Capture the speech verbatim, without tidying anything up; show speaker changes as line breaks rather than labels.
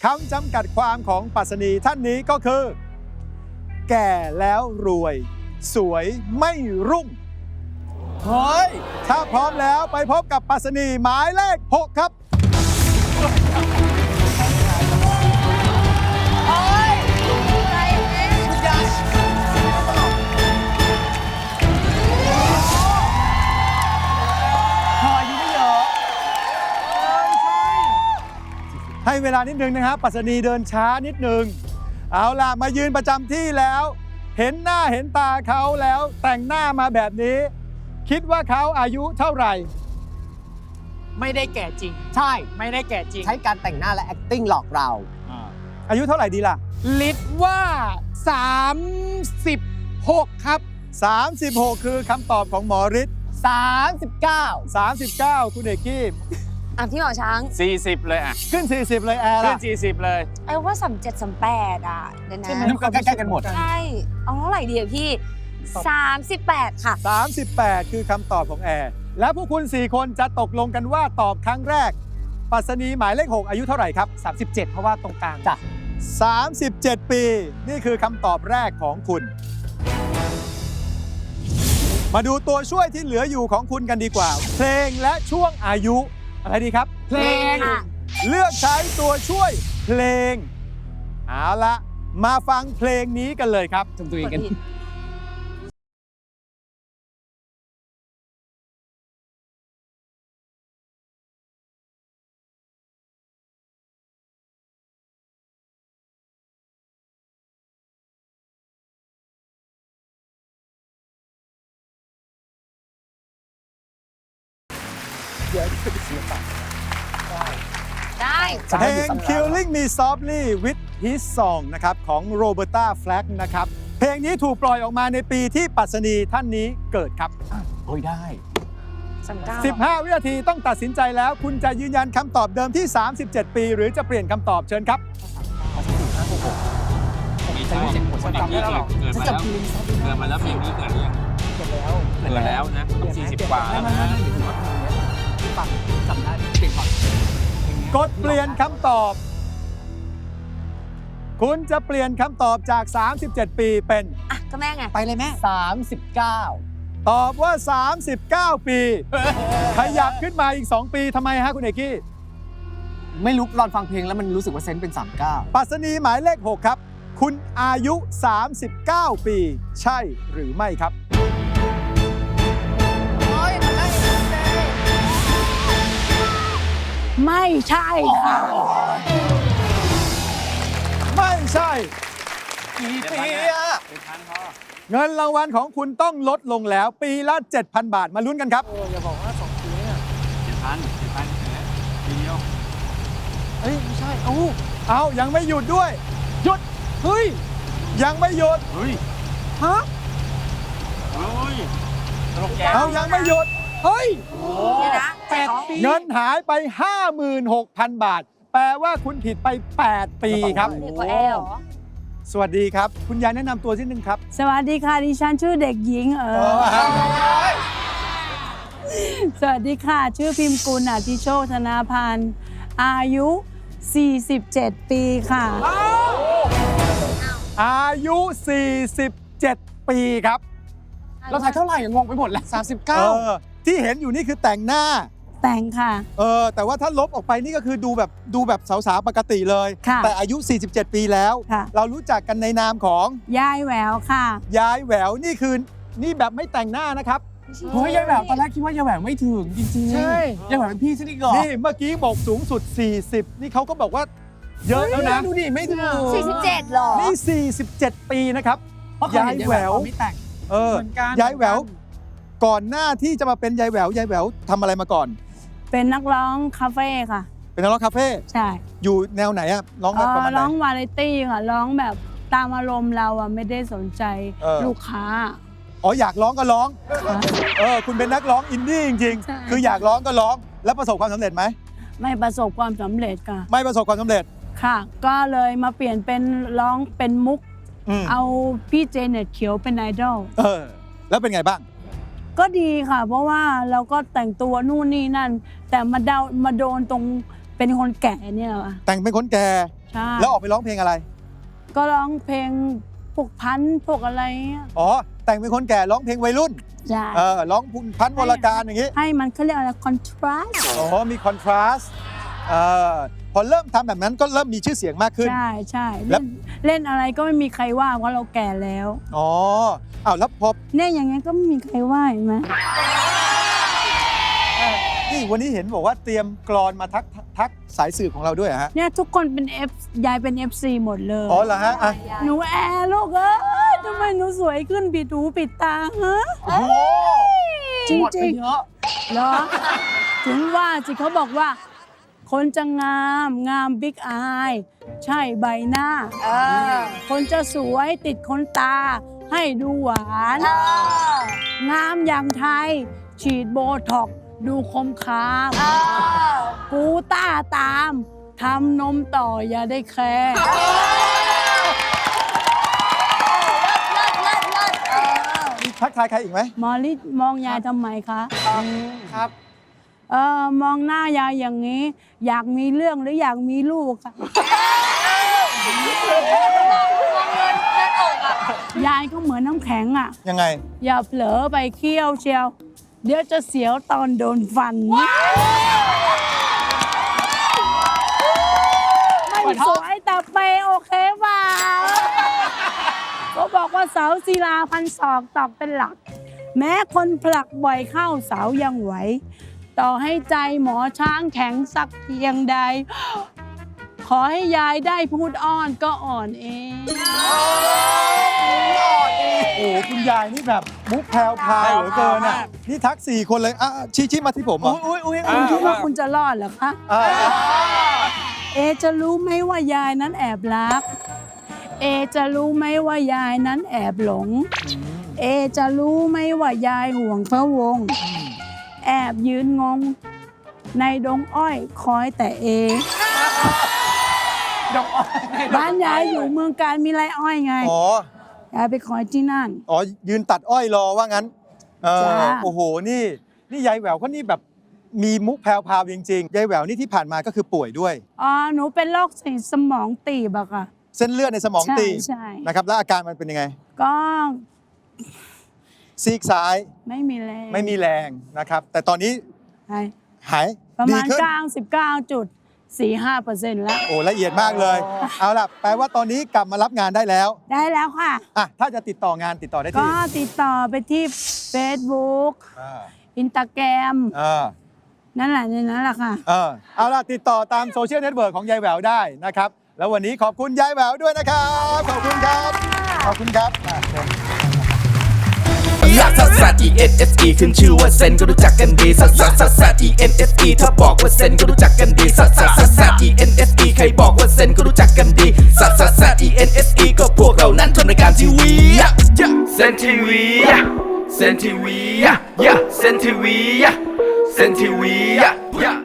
คำจำกัดความของปรัชนีท่านนี้ก็คือ แก่แล้วรวย สวยไม่รุ่ง
เฮ้ย
ถ้าพร้อมแล้วไปพบกับปรัชนีหมายเลข หก ครับ
เฮ้ยอะไรเนี่ยคุณยาชพออายุไม่เยอะเออใช่
ให้เวลานิดนึงนะครับปรัชนีเดินช้านิดนึง เอาล่ะ มายืนประจำที่แล้ว เห็นหน้าเห็นตาเขาแล้วแต่งหน้ามาแบบนี้ คิดว่าเขาอายุเท่าไหร่
ไม่ได้แก่จริง
ใช่
ไม่ได้แก่จริง
ใช้การแต่งหน้าและ acting หลอกเรา
อายุเท่าไหร่ดีล่ะ
ลิศว่าสามสิบหกครับ
สามสิบหก คือคำตอบของหมอฤทธิ์
สามสิบเก้า
สามสิบเก้า คุณเอกกี้
อ่ะพี่หมอช้าง
สี่สิบเลยอ่ะ
ขึ้น สี่สิบ เลยแอร์
ขึ้
ล่ะ
นสี่สิบเลย
ไอ้ว่าสามเจ็ดสามแปดอ่ะ เดี๋ยวนะ
ใช่ไหมก็ใกล้ๆกันหมด
ใช่ เอาเท่าไหร่ดีอะพี่สามสิบแปดค่ะ
สามสิบแปด คือคำตอบของแอร์ และพวกคุณ สี่ คนจะตกลงกันว่าตอบครั้งแรกปรัชนีหมายเลข หก อายุเท่าไหร่ครับ
สามสิบเจ็ด เพราะว่าตรงกลาง
จ้ะ
สามสิบเจ็ด ปี นี่คือคำตอบแรกของคุณ มาดูตัวช่วยที่เหลืออยู่ของคุณกันดีกว่า เพลงและช่วงอายุ อะไรดีครับ
เพลง
ค่ะ
เลือกใช้ตัวช่วยเพลง เอาละมาฟังเพลงนี้กันเลยครับ
จำตัวเองกัน
ได้
เพลง Killing Me Softly with His Song นะครับของโรเบ r ร์ต a แฟลกนะครับ เพลงนี้ถูกปล่อยออกมาในปีที่ปรัชนีท่านนี้เกิดครับ
โอ้ยได้
สามเก้า
สิบห้า วินาทีต้องตัดสินใจแล้ว คุณจะยืนยันคำตอบเดิมที่ สามสิบเจ็ด ปี หรือจะเปลี่ยนคำตอบเชิญครับ
ไม่ใช่คนอย่างนี้เกิดเกิดมาแล้ว เกิดมาแล้วเพลงนี้เกิดหรือยัง
เกิดแล้ว
เกิดแล้วนะต้องสี่สิบกว่าแล้วนะ
ฟังจำได้เปลี่ยนก่อน
กดเปลี่ยนคำตอบ คุณจะเปลี่ยนคำตอบจาก สามสิบเจ็ด ปีเป็น
อ่ะ ก็แม่ไง
ไปเลยแม่
สามสิบเก้า
ตอบว่า สามสิบเก้า ปี ขยับขึ้นมาอีก สอง ปีทำไมฮะคุณเอกกี้
ไม่รู้ตอนฟังเพลงแล้วมันรู้สึกว่าเซนส์เป็นสามเก้า
ปรัชนีหมายเลข หก ครับ คุณอายุ สามสิบเก้า ปี ใช่หรือไม่ครับ
ไม่ใช่ค่ะ
ไม่ใช่
กี่ปีอะ
เป็นพันพอ
เงินรางวัลของคุณต้องลดลงแล้ว ปีละ เจ็ดพัน บาท มาลุ้นกันครับ
อย่าบอกว่าสองปีเนี่ย
เจ็ดพันเจ็ดพันทีเดียว
เฮ้ย ไม่ใช่ เอ้า
เอายังไม่หยุดด้วย หยุด
เฮ้ย
ยังไม่หยุด
เฮ้ย
ฮะ
เฮ้ยตลกแก
เอายังไม่หยุด
เฮ้ย
เดี๋ยวนะ
แปดปี
เงินหายไป ห้าหมื่นหกพัน บาท แปลว่าคุณผิดไป แปด ปีครับ
เด็กกว่าแอลเหรอ
สวัสดีครับ คุณยายแนะนำตัวที่หนึ่งครับ
สวัสดีค่ะ ดิฉันชื่อเด็กหญิงเออ สวัสดีค่ะ ชื่อพิมพ์กุลอธิโชคธนาพันธ์ อายุ สี่สิบเจ็ด ปีค่ะ
อายุ สี่สิบเจ็ด ปีครับ
เราถ่ายเท่าไหร่งงไปหมดแล้วสามสิบ
เอ
เก้า
อที่เห็นอยู่นี่คือแต่งหน้า
แต่งค่ะ
เออแต่ว่าถ้าลบออกไปนี่ก็คือดูแบบดูแบบสาวๆปกติเลย
ค่ะ
แต่อายุ สี่สิบเจ็ด ปีแล้ว
ค่ะ
เรารู้จักกันในนามของ
ยายแหววค่ะ
ยายแหววนี่คือนี่แบบไม่แต่งหน้านะครับ
เฮ้ยยายแหววตอนแรกคิดว่ายายแหววไม่ถึงจริงๆ
ใช่
ยายแหววเป็นพี่ฉันอีกเหรอ
นี่เมื่อกี้บอกสูงสุด สี่สิบ นี่เขาก็บอกว่าเยอะแล้วนะ
ดูดิไม่ถึง
สี่สิบเจ็ดเหรอ
นี่ สี่สิบเจ็ด ปีนะครับ
เพราะเคยเห็น
ยายแหวว
ตอนไม่แต่ง
เออ
เหมือนกัน
ยายแหววก่อนหน้าที่จะมาเป็นยายแหววยายแหววทำอะไรมาก่อน
เป็นนักร้องคาเฟ่ค่ะ
เป็นนักร้องคาเฟ่
ใช่
อยู่แนวไหนอะร้อง
เอ่
ประ
อ
มาณไหน
ร้องวาไรตี้ค่ะ ร้องแบบตามอารมณ์เราอ่ะไม่ได้สนใจ
เออ
ลูกค้า
อ๋ออยากร้องก็ร้อง
ค่ะ
เออคุณเป็นนักร้องอินดี้จริง
ใช่
ๆ คืออยากร้องก็ร้อง แล้วประสบความสำเร็จไหม
ไม่ประสบความสำเร็จค่ะ
ไม่ประสบความสำเร็จ
ค่ะ ก็เลยมาเปลี่ยนเป็นร้องเป็นมุก
อืม
เอาพี่เจเน็ตเขียวเป็นไอดอล
เออ แล้วเป็นไงบ้าง
ก็ดีค่ะ เพราะว่าเราก็แต่งตัวนู่นนี่นั่น แต่มาเดามาโดนตรงเเป็นคนแก่เนี่ยเหรอ
แต่งเป็นคนแก่
ใช่
แล้วออกไปร้องเพลงอะไร
ก็ร้องเพลงพวกพันธุ์พวกอะไรเงี้ย
อ๋อแต่งเป็นคนแก่ร้องเพลงวัยรุ่น
ใช่
เออร้องพันธุ์วรการอย่างงี้
ให้มันเขาเรียกอะไรคอนทราส
อ๋อมีคอนทราสต์เออพอเริ่มทำแบบนั้นก็เริ่มมีชื่อเสียงมากขึ้น
ใช่ใช่
แล้
เล่
ว
นเล่นอะไรก็ไม่มีใครว่าเพราะเราแก่แล้ว
อ๋ออ้าวแล้วพอ
เนี่ยอย่างงี้ก็ไม่มีใครว่าเห็นไหม
นี่วันนี้เห็นบอกว่าเตรียมกรอนมาทักทักสายสื่อของเราด้วยเหรอฮะ
เนี่ยทุกคนเป็น F ยายเป็น เอฟ ซี หมดเลย
อ๋อเหรอฮะอ่ะ
หนูแอร์ลูกเอ้ยทำไมหนูสวยขึ้นปิดหูปิดตาฮะ
โอ้โห
จริง
หมด
จ
ไป
ริง
เยอะ
เหรอ ถึงว่าสิเขาบอกว่า คนจะงามงามบิ๊กอายใช่ใบหน้า
เออ
คนจะสวยติดขนตา ให้ดูหวาน
เออ
งามอย่างไทย ฉีดโบท็อกซ์ดูคมคาม
เออ
กูต้าตามทำนมต่ออย่าได้แคร์
เลิศเลิศเลิศเออ
มีทักทายใครอีกไหม
หมอลิศมองยายทำไมคะ
ครับ
เออมองหน้ายายอย่างนี้ อยากมีเรื่องหรืออยากมีลูกค่ะยายก็เหมือนน้ำแข็งอ่ะ
ยังไง
อย่าเผลอไปเคี้ยวเชียว เดี๋ยวจะเสียวตอนโดนฟัน ไม่สวยแต่เปย์โอเคเปล่าก็บอกว่าเสาศิลาพันศอกตอกเป็นหลัก แม้คนผลักบ่อยเข้าเสายังไหว ต่อให้ใจหมอช้างแข็งสักเพียงใด ขอให้ยายได้พูดอ้อนก็อ่อนเอง
โอ้โหคุณยายนี่แบบมุกแพรวพราวเหลือเกินอ่ะนี่ทักสี่คนเลยอ่ะชี้ชี้มาที่ผมเหรอ
อุ้ยอุ้ย
คุณคิดว่าคุณจะรอดเหรอคะ
อ่า
เอจะรู้ไหมว่ายายนั้นแอบรัก เอจะรู้ไหมว่ายายนั้นแอบหลง เอจะรู้ไหมว่ายายห่วงพระวงศ์แอบยืนงง ในดงอ้อยคอยแต่เอ
ดอกอ้อย
บ้านยายอยู่เมืองการมีไรอ้อยไง
อ๋อย
ายไปคอยที่นั่น
อ๋อยืนตัดอ้อยรอว่างั้นเออ
จ้า
โอ้โหนี่นี่ยายแหววเขานี่แบบมีมุกแพรวพราวจริงๆยายแหววนี่ที่ผ่านมาก็คือป่วยด้วย
อ๋อหนูเป็นโรคสีสมองตีบอะค่ะ
เส้นเลือดในสมอง
ใช่
ตีบ
ใช่
นะครับแล้วอาการมันเป็นยังไง
ก็
ซีกซ้าย
ไม่มีแรง
ไม่มีแรงนะครับ แต่ตอนนี้
ใช่
หาย
ประ
ดี
มาณ
ขึ้น
เก้าสิบเก้าจุดสี่ห้าเปอร์เซ็นต์แล้ว
โอ้ละเอียดมากเลย เอาล่ะแปลว่าตอนนี้กลับมารับงานได้แล้ว
ได้แล้วค่ะ
อ่ะถ้าจะติดต่องานติดต่อได้
ก็
ที่
ติดต่อไปที่ Facebook
อ่า
อินสตาแกรม
เออ
นั่นแหละในนั้นแหละค่ะ
เออเอาล่ะติดต่อตามโซเชียลเน็ตเวิร์กของยายแหววได้นะครับ แล้ววันนี้ขอบคุณยายแหววด้วยนะครับ ขอบคุณครับ ขอบคุณครับอ่ะเชิญ
ลักซัสซัส E N S E ขึ้นชื่อว่าเซนก็รู้จักกันดีซัสซัสซัสซัส E N S E ถ้าบอกว่าเซนก็รู้จักกันดีซัสซัสซัสซัส E N S E ใครบอกว่าเซนก็รู้จักกันดีซัสซัสซัส E N S E ก็พวกเรานั้นทำรายการทีวีเซนทีวีเซนทีวีเซนทีวีเซนทีวี